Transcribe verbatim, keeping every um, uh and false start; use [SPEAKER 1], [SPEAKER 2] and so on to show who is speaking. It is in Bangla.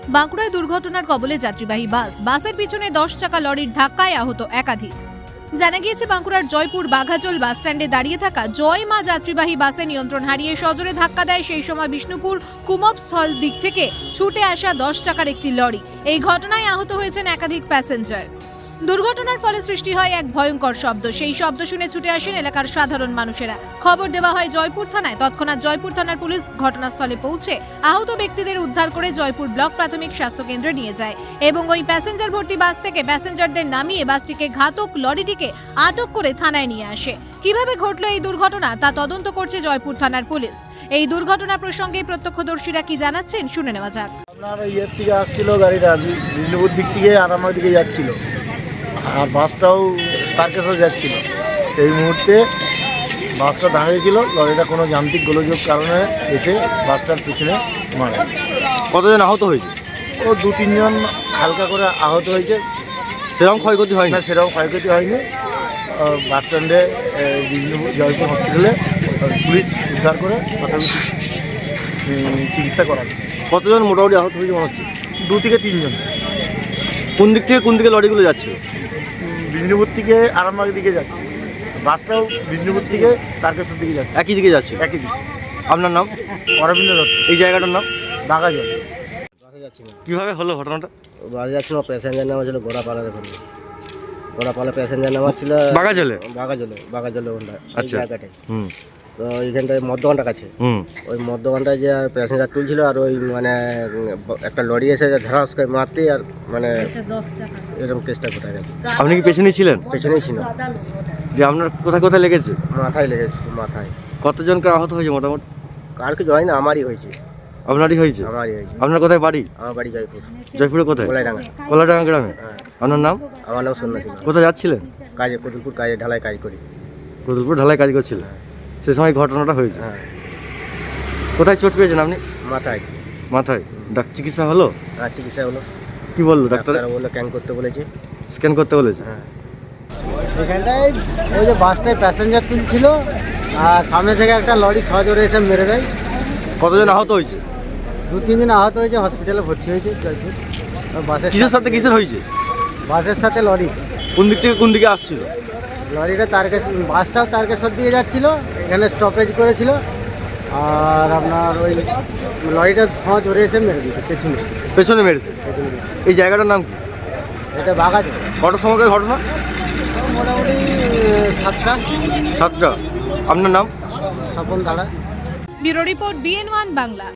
[SPEAKER 1] বাঁকুড়ায় দুর্ঘটনার কবলে যাত্রীবাহী বাস বাসের পিছনে দশ চাকা লরির ধাক্কায় আহত একাধিক। জানা গিয়েছে বাঁকুড়ার জয়পুর বাঘাজল বাস স্ট্যান্ডে দাঁড়িয়ে থাকা জয় মা যাত্রীবাহী বাসে নিয়ন্ত্রণ হারিয়ে সজোরে ধাক্কা দেয় সেই সময় বিষ্ণুপুর কুমবস্থল দিক থেকে ছুটে আসা দশ চাকার একটি লরি। এই ঘটনায় আহত হয়েছেন একাধিক প্যাসেঞ্জার। দুর্ঘটনার ফলে সৃষ্টি হয় এক ভয়ঙ্কর শব্দ। সেই শব্দ শুনে ছুটে আসেন এলাকার সাধারণ মানুষেরা। খবর দেওয়া হয় জয়পুর থানায়। তৎক্ষণাৎ জয়পুর থানার পুলিশ ঘটনাস্থলে পৌঁছে আহত ব্যক্তিদের উদ্ধার করে জয়পুর ব্লক প্রাথমিক স্বাস্থ্য কেন্দ্রে নিয়ে যায় এবং ওই প্যাসেঞ্জার ভর্তি বাস থেকে প্যাসেঞ্জারদের নামিয়ে বাসটিকে ঘাতক লরিটিকে আটক করে থানায় নিয়ে আসে। কিভাবে ঘটল এই দুর্ঘটনা তা তদন্ত করছে জয়পুর থানার পুলিশ। এই দুর্ঘটনা প্রসঙ্গে প্রত্যক্ষদর্শীরা কি জানাচ্ছেন শুনে নেওয়া যাক।
[SPEAKER 2] আপনার ইয়ের থেকে আসছিল গাড়িটা বিষ্ণুপুর দিক থেকে আরামার দিকে যাচ্ছিল, আর বাসটাও তারকেশ্বর যাচ্ছিল। এই মুহূর্তে বাসটা দাঁড়িয়েছিল, লরিটা কোনো যান্ত্রিক গোলযোগ কারণে এসে বাসটার পিছনে মারে।
[SPEAKER 3] কতজন আহত হয়েছে?
[SPEAKER 2] ও দু তিনজন হালকা করে আহত হয়েছে,
[SPEAKER 3] সেরকম ক্ষয়ক্ষতি হয়
[SPEAKER 2] না
[SPEAKER 3] না?
[SPEAKER 2] সেরকম ক্ষয়ক্ষতি হয়নি। বাস স্ট্যান্ডে বিষ্ণুপুর জয়পুর হসপিটালে পুলিশ উদ্ধার করে প্রাথমিক চিকিৎসা করাচ্ছে।
[SPEAKER 3] কতজন মোটামুটি আহত হয়েছে মনে হচ্ছে?
[SPEAKER 2] দু থেকে তিনজন।
[SPEAKER 3] কোন দিক থেকে কোন দিকে লরিগুলো যাচ্ছে?
[SPEAKER 2] বিষ্ণুপুর থেকে আরামবাগের দিকে যাচ্ছে, বাসটাও বিষ্ণুপুর থেকে তারকেশ্বর দিকে যাচ্ছে,
[SPEAKER 3] একই দিকে যাচ্ছে।
[SPEAKER 2] একই দিকে।
[SPEAKER 3] আপনার নাম?
[SPEAKER 2] অরবিন্দ দত্ত,
[SPEAKER 3] এই জায়গাটার নাম?
[SPEAKER 2] বাঘাজল।
[SPEAKER 4] বাসে যাচ্ছিল,
[SPEAKER 3] কিভাবে হলো ঘটনাটা?
[SPEAKER 4] বাসে যাচ্ছিল, প্যাসেঞ্জার নামা ছিল গোড়াপালার ওখানে। গোড়াপালা প্যাসেঞ্জার নামা ছিল
[SPEAKER 3] বাঘাজলে?
[SPEAKER 4] বাঘাজলে, বাঘাজলে ওখানটা
[SPEAKER 3] আচ্ছা।
[SPEAKER 4] জায়গাটায়।
[SPEAKER 3] হুম
[SPEAKER 4] তো ওইখানটায় মদ্যপানটা কাছে,
[SPEAKER 3] হুম
[SPEAKER 4] ওই মদ্যপানটায় যে প্যাসেঞ্জার তুলছিল, আর ওই মানে একটা লরি এসে ধারাস করে মারতে, আর মানে এরকম কেসটা কোথায় গেছে।
[SPEAKER 3] আপনি কি পেছনেই ছিলেন?
[SPEAKER 4] পেছনেই ছিল,
[SPEAKER 3] যে আপনার কোথায় কোথায় লেগেছে?
[SPEAKER 4] মাথায় লেগেছে, মাথায়।
[SPEAKER 3] কতজনকে আহত হয়েছে মোটামুটি?
[SPEAKER 4] কার কিছু হয় না, আমারই হয়েছে,
[SPEAKER 3] আপনারই হয়েছে?
[SPEAKER 4] আমারই হয়েছে।
[SPEAKER 3] আপনার কোথায় বাড়ি?
[SPEAKER 4] আমার বাড়ি জয়পুর,
[SPEAKER 3] জয়পুরে কোথায়?
[SPEAKER 4] গোলাইডাঙ্গা।
[SPEAKER 3] কলাডাঙ্গা গ্রামে?
[SPEAKER 4] হ্যাঁ,
[SPEAKER 3] আপনার নাম?
[SPEAKER 4] আমার নাম সন্ন্যাসী।
[SPEAKER 3] কোথায় যাচ্ছিলেন?
[SPEAKER 4] কাজে, কদুলপুর কাজে, ঢালাই কাজ করি।
[SPEAKER 3] কদুলপুর ঢালাই কাজ করছিলেন, সে সময় ঘটনাটা হয়েছে।
[SPEAKER 4] হ্যাঁ,
[SPEAKER 3] কোথায় চোট পেয়েছেন আপনি?
[SPEAKER 4] মাথায়।
[SPEAKER 3] মাথায়? ডাক চিকিৎসা হলো?
[SPEAKER 4] আর চিকিৎসা হলো,
[SPEAKER 3] কি বললো ডাক্তার?
[SPEAKER 4] ডাক্তার বললো ক্যান করতে বলেছে।
[SPEAKER 3] স্ক্যান করতে বলেছে?
[SPEAKER 4] হ্যাঁ,
[SPEAKER 2] এখানটায় ওই যে বাসটায় প্যাসেঞ্জার তুলছিল, আর সামনে থেকে একটা লরি সজোরে এসে মেরে দেয়।
[SPEAKER 3] কতজন আহত হয়েছে?
[SPEAKER 2] দু তিনজন আহত হয়েছে, হসপিটালে ভর্তি হয়েছে জয়পুর। আর বাসের
[SPEAKER 3] কিসের সাথে কিসের হয়েছে?
[SPEAKER 2] বাসের সাথে লরি।
[SPEAKER 3] কোন দিক থেকে কোন দিকে আসছিল?
[SPEAKER 2] লরিটা তারকেশ্বর, বাসটাও তারকেশ্বর দিয়ে যাচ্ছিল, এখানে স্টপেজ করেছিল, আর আপনার ওই লরিটা সহজ ধরে এসে মেরে দিচ্ছে পেছনে।
[SPEAKER 3] পেছনে মেরেছে?
[SPEAKER 2] পেছনে দিকে।
[SPEAKER 3] এই জায়গাটার নাম কি?
[SPEAKER 2] এটা বাঘাজ।
[SPEAKER 3] কটার সময়কার ঘটনা?
[SPEAKER 2] মোটামুটি সাতটা।
[SPEAKER 3] সাতটা। আপনার নাম?
[SPEAKER 2] স্বপন দাঁড়া।
[SPEAKER 1] Bureau report BN one Bangla.